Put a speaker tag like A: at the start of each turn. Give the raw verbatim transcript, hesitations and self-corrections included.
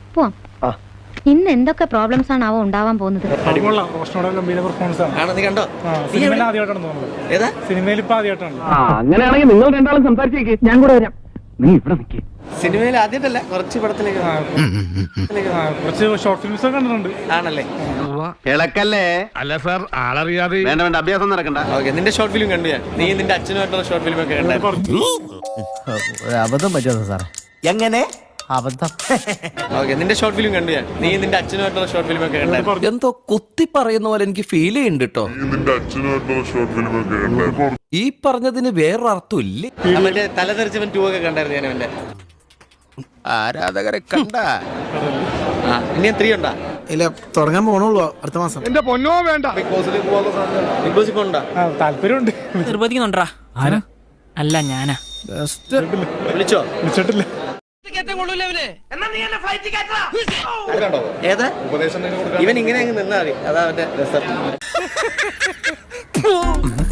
A: പോവാം. ഇന്ന് എന്തൊക്കെ പ്രോബ്ലംസ് ആണ് അവ ഉണ്ടാവാൻ പോകുന്നത്?
B: അങ്ങനെയാണെങ്കിൽ നിങ്ങൾ രണ്ടാളും സംസാരിച്ചേക്ക്, ഞാൻ കൂടെ വരാം. നീ ഇവിടെ നിൽക്കേ.
C: സിനിമയിൽ ആദ്യമായിട്ടല്ല, കുറച്ച് പടത്തിലേക്ക്
D: കുറച്ച് ഷോർട്ട് ഫിലിംസ് ഒക്കെ കണ്ടിട്ടുണ്ട്.
C: ആണല്ലേ?
B: ഇളക്കല്ലേ?
E: അല്ല സാർ, ആളറിയാതെ.
B: വേണ്ട വേണ്ട, അഭ്യാസം നടക്കണ്ട.
C: ഓക്കെ, നിന്റെ ഷോർട്ട് ഫിലിം കണ്ടു ഞാൻ. നീ നിന്റെ അച്ഛനുമായിട്ടുള്ള ഷോർട്ട് ഫിലിം ഒക്കെ കണ്ടായിരുന്നു.
F: അബദ്ധം പറ്റുമോ സാറേ?
C: എങ്ങനെ
F: അബദ്ധം?
C: ഓക്കെ, നിന്റെ ഷോർട്ട് ഫിലിം കണ്ടു ഞാൻ. നീ നിന്റെ അച്ഛനുമായിട്ടുള്ള ഷോർട്ട് ഫിലിം ഒക്കെ കണ്ടായിരുന്നു.
G: എന്തോ കുത്തി പറയുന്ന പോലെ എനിക്ക് ഫീൽ ചെയ്യുന്നുണ്ട് കേട്ടോ. ഈ പറഞ്ഞതിന് വേറൊരർത്ഥം ഇല്ലേ?
C: മറ്റേ തലതെറിച്ചവൻ ടൂ ഒക്കെ കണ്ടായിരുന്നു ഞാൻ. അവന്റെ
G: ആരാധകരെ കണ്ട
C: ഇനി ത്രീ ഉണ്ടാ?
F: ഇല്ല, തുടങ്ങാൻ പോണുള്ളൂ അടുത്ത മാസം.
D: എന്റെ പൊന്നോ വേണ്ട.
C: ബിഗ് ബോസ് ഇപ്പൊ ഉണ്ടാ?
D: താല്പര്യമുണ്ട്.
H: നിർബന്ധിക്കുന്നുണ്ടാ? അല്ല ഞാനാ.
C: വിളിച്ചോ?
D: വിളിച്ചിട്ടില്ല.
C: ഏതാ ഇവൻ? ഇങ്ങനെ അങ്ങ് നിന്നാ മതി, അതാ അവന്റെ രസം.